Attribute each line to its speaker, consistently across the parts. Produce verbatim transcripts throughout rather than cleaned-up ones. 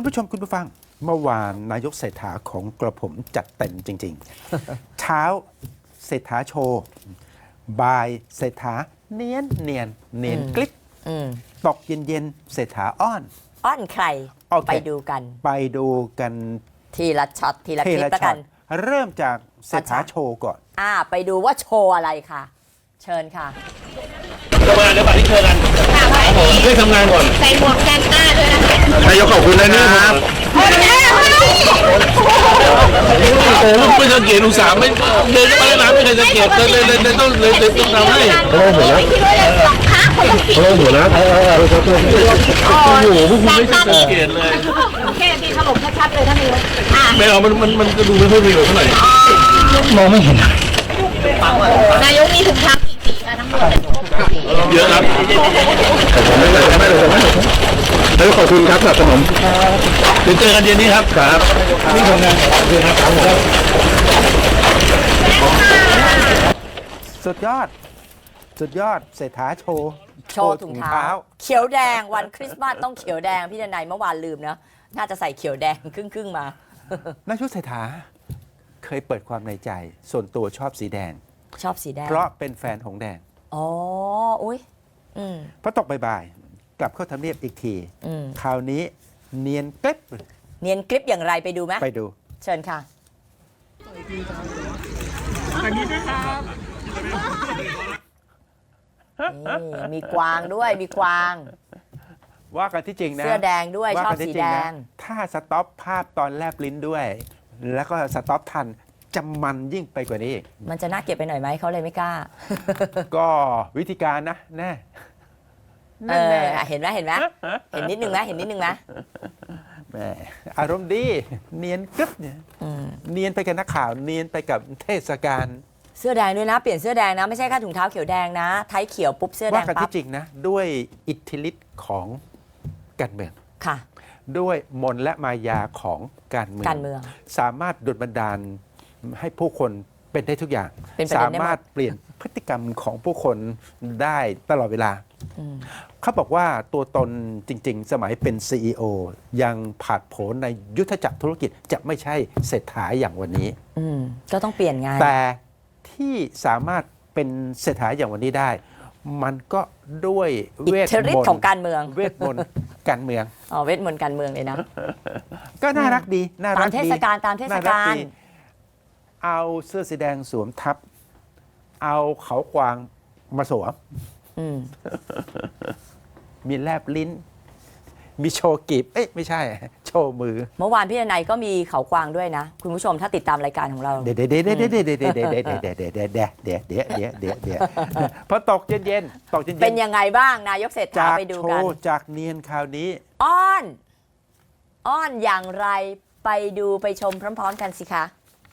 Speaker 1: คุณผู้ชมคุณผู้ฟังเมื่อวานนายกเศรษฐาของกระผมจัดเต็มจริงๆ เช้าเศรษฐาโชว์บ่ายเศรษฐาเนียนเนียนเนียนกลิบตกเย็นเย็นเศรษฐาอ้อน
Speaker 2: อ้อนใคร
Speaker 1: okay.
Speaker 2: ไปดูกัน
Speaker 1: ไปดูกัน
Speaker 2: ทีละช็อตทีละคลิปแล้วกัน
Speaker 1: เริ่มจากเศรษฐาโชว์ก่อน
Speaker 2: อ่าไปดูว่าโชว์อะไรค่ะเชิญค่ะ
Speaker 3: ทำงานเดี๋ยวบัตรที่เชิญกันเรียกทำงานก่อน
Speaker 4: ใส่หมวกแซนต้าด้วยนะคะ
Speaker 3: นายกขอบคุณนะครับโอ้ลูกไม่สังเกตอุตส่าห์ไม่เดินมาแล้วนะไม่เคยสังเกตเลยเลยเลยต้องเลยเลยต้องทำให้โอ้โหนะโอ้โหนะโอ้โหพวกคุณไม่เคยสังเกตเลย
Speaker 4: โอเคดีถล่มชัดๆเลยท่านนายก
Speaker 3: ไม่เอามันมันมันจะดูไม่ค่อยมีเท่าไหร่มองไม่เห็น
Speaker 4: นายกมีถุงเท้ากี่สีคะทั้งหมด
Speaker 3: เยอะครับไม่เลยไม่เลยแล้วขอบคุณครับสนับสนุนเดี๋ยวเจอกันเย็นนี้ครับครับนี่ทำงานเดือนครับ
Speaker 1: สุดยอดสุดยอดเศรษฐาโชว์
Speaker 2: โชว์ถุงเท้าเขียวแดงวันคริสต์มาสต้องเขียวแดงพี่ดนัยเมื่อวานลืมนะน่าจะใส่เขียวแดงครึ่งๆมาน
Speaker 1: ายกเศรษฐาเคยเปิดความในใจส่วนตัวชอบสีแดง
Speaker 2: ชอบสีแดง
Speaker 1: เพราะเป็นแฟนหงแดง
Speaker 2: อ๋ออุ้ยอืม
Speaker 1: พอตกบ่ายๆกลับเข้าทำเนียบอีกทีคราวนี้เนียนกริบ
Speaker 2: เนียนกริบอย่างไรไปดูไหม
Speaker 1: ไปดู
Speaker 2: เชิญค่ะ
Speaker 4: สวัสดีนะครับ
Speaker 2: มีกวางด้วยมีกวาง
Speaker 1: ว่ากันที่จริงนะ
Speaker 2: เสื้อแดงด้วยชอบสีแดง
Speaker 1: ถ้าสต็อปภาพตอนแลบลิ้นด้วย แล้วก็สต็อปทันจะมันยิ่งไปกว่านี้
Speaker 2: มันจะน่าเก็บไปหน่อยไหมเขาเลยไม่กล้า
Speaker 1: ก็วิธีการนะแน่
Speaker 2: เออเห็นไหมเห็นไหมเห็นนิดนึงไหมเห็นนิดนึงไหม
Speaker 1: แหมอารมณ์ดีเนียนกึ๊บเนี่ยเนียนไปกับนักข่าวเนียนไปกับเทศกาล
Speaker 2: เสื้อแดงด้วยนะเปลี่ยนเสื้อแดงนะไม่ใช่แค่ถุงเท้าเขียวแดงนะไทยเขียวปุ๊บเสื้อแดงปั๊บ
Speaker 1: ว่ากันที่จริงนะด้วยอิทธิฤทธิ์ของการเมือง
Speaker 2: ค่ะ
Speaker 1: ด้วยมนต์และมายาของการเมือง
Speaker 2: การเมือง
Speaker 1: สามารถดลบันดาลให้ผู้คนเป็นได้ทุกอย่างสามารถเปลี่ยนพฤติกรรมของผู้คนได้ตลอดเวลาเขาบอกว่าตัวตนจริงๆสมัยเป็น ซี อี โอ ยังผาดโผนในยุทธจักรธุรกิจจะไม่ใช่เศรษฐาอย่างวันนี้
Speaker 2: ก็ต้องเปลี่ยนงาน
Speaker 1: แต่ที่สามารถเป็นเศรษฐาอย่างวันนี้ได้มันก็ด้วยเวทมนต์
Speaker 2: ของการเมือง
Speaker 1: เวทมนต์การเมือง
Speaker 2: อ๋อเวทมนต์การเมืองเลยนะ
Speaker 1: ก็น่ารักดีน่ารักดี
Speaker 2: ตามเทศกาลตามเทศกาล
Speaker 1: เอาเสื้อสีแดงสวมทับเอาเขากวางมาสวมมีแลบลิ้นมีโชว์กีบเอ๊ะไม่ใช่โชว์มือ
Speaker 2: เมื่อวานพี่นายก็มีเขากวางด้วยนะคุณผู้ชมถ้าติดตามรายการของเรา
Speaker 1: เดี๋ยวเดี๋ยวเดี๋ยวเดี๋ยวเดี๋ยวเดี๋ยวเดี๋ยวเดี๋ยวเดี๋ยวเดี๋ยวเดี๋ยวเดี๋ยวเดี๋ยวเดี๋ยวเดี๋ยวเดี๋ยวพอตกเย็นเย็นตกเย็น
Speaker 2: เป็นยังไงบ้างนายกเศรษฐาไปดูกัน
Speaker 1: จากเนียนคราวนี้
Speaker 2: อ้อนอ้อนอย่างไรไปดูไปชมพร้อมๆกันสิคะ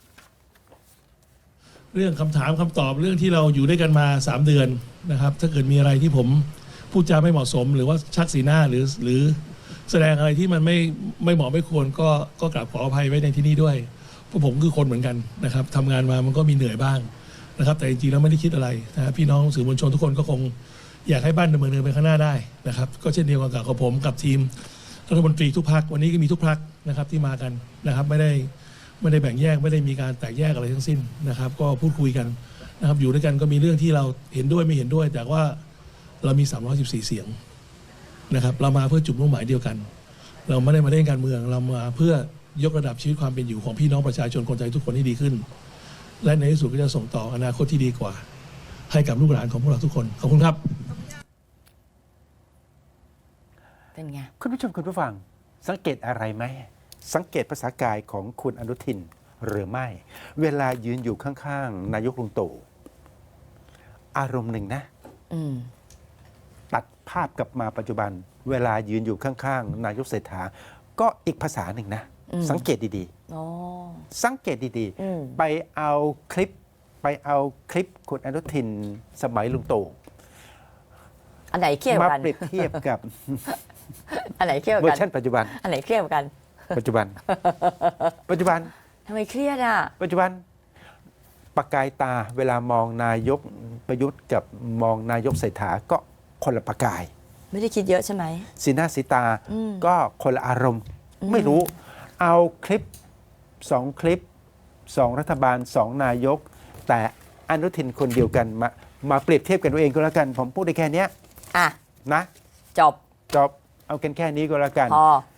Speaker 5: เรื่องคำถามคำตอบเรื่องที่เราอยู่ด้วยกันมาสามเดือนนะครับถ้าเกิดมีอะไรที่ผมพูดจาไม่เหมาะสมหรือว่าชักสีหน้าหรือหรือแสดงอะไรที่มันไม่ไม่เหมาะไม่ควรก็ก็กราบขออภัยไว้ในที่นี้ด้วยเพราะผมคือคนเหมือนกันนะครับทำงานมามันก็มีเหนื่อยบ้างนะครับแต่จริงๆแล้วไม่ได้คิดอะไรนะครับพี่น้องสื่อมวลชนทุกคนก็คงอยากให้บ้านดำเนินไปข้างหน้าได้นะครับก็เช่นเดียวกันกับผมกับทีมรัฐมนตรีทุกพรรควันนี้ก็มีทุกพรรคนะครับที่มากันนะครับไม่ได้ไม่ได้แบ่งแยกไม่ได้มีการแตกแยกอะไรทั้งสิ้นนะครับก็พูดคุยกันนะครับอยู่ด้วยกันก็มีเรื่องที่เราเห็นด้วยไม่เห็นด้วยแต่ว่าเรามีสามร้อยสิบสี่เสียงนะครับเรามาเพื่อจุดมุ่งหมายเดียวกันเราไม่ได้มาเล่นการเมืองเรามาเพื่อยกระดับชีวิตความเป็นอยู่ของพี่น้องประชาชนคนไทยทุกคนให้ดีขึ้นและในที่สุดก็จะส่งต่ออนาคตที่ดีกว่าให้กับลูกหลานของพวกเราทุกคนขอบคุณครับ
Speaker 2: เป็นไง
Speaker 1: คุณผู้ชมคุณผู้ฟังสังเกตอะไรไหมสังเกตภาษากายของคุณอนุทินหรือไม่เวลายืนอยู่ข้างๆนายกลุงตู่อารมณ์หนึ่งนะตัดภาพกลับมาปัจจุบันเวลายืนอยู่ข้างๆนายกเศรษฐาก็อีกภาษาหนึ่งนะสังเกตดีๆสังเกตดีๆไปเอาคลิปไปเอาคลิปคุณอนุทินสมัยลุงตู่
Speaker 2: อันไหนเทียบกัน
Speaker 1: มาเปรียบเทียบกับ
Speaker 2: อันไหนเทียบกัน
Speaker 1: เวอร์ชันปัจจุบัน
Speaker 2: อันไหนเทียบกัน
Speaker 1: ปัจจุบันปัจจุบัน
Speaker 2: ทำไมเครียดอ่ะ
Speaker 1: ปัจจุบันประกายตาเวลามองนายกประยุทธ์กับมองนายกเศรษฐาก็คนละประกาย
Speaker 2: ไม่ได้คิดเยอะใช่ไหม
Speaker 1: สีหน้าสีตาก็คนละอารมณ์ไม่รู้เอาคลิปสองคลิปสองรัฐบาลสองนายก แต่อนุทินคนเดียวกันมามาเปรียบเทียบกันเอาเองก็แล้วกัน ผมพูดได้แค่เนี้ย
Speaker 2: อ่ะ
Speaker 1: นะ
Speaker 2: จบ
Speaker 1: จบเอากันแค่นี้ก็แล้วกัน
Speaker 2: พอ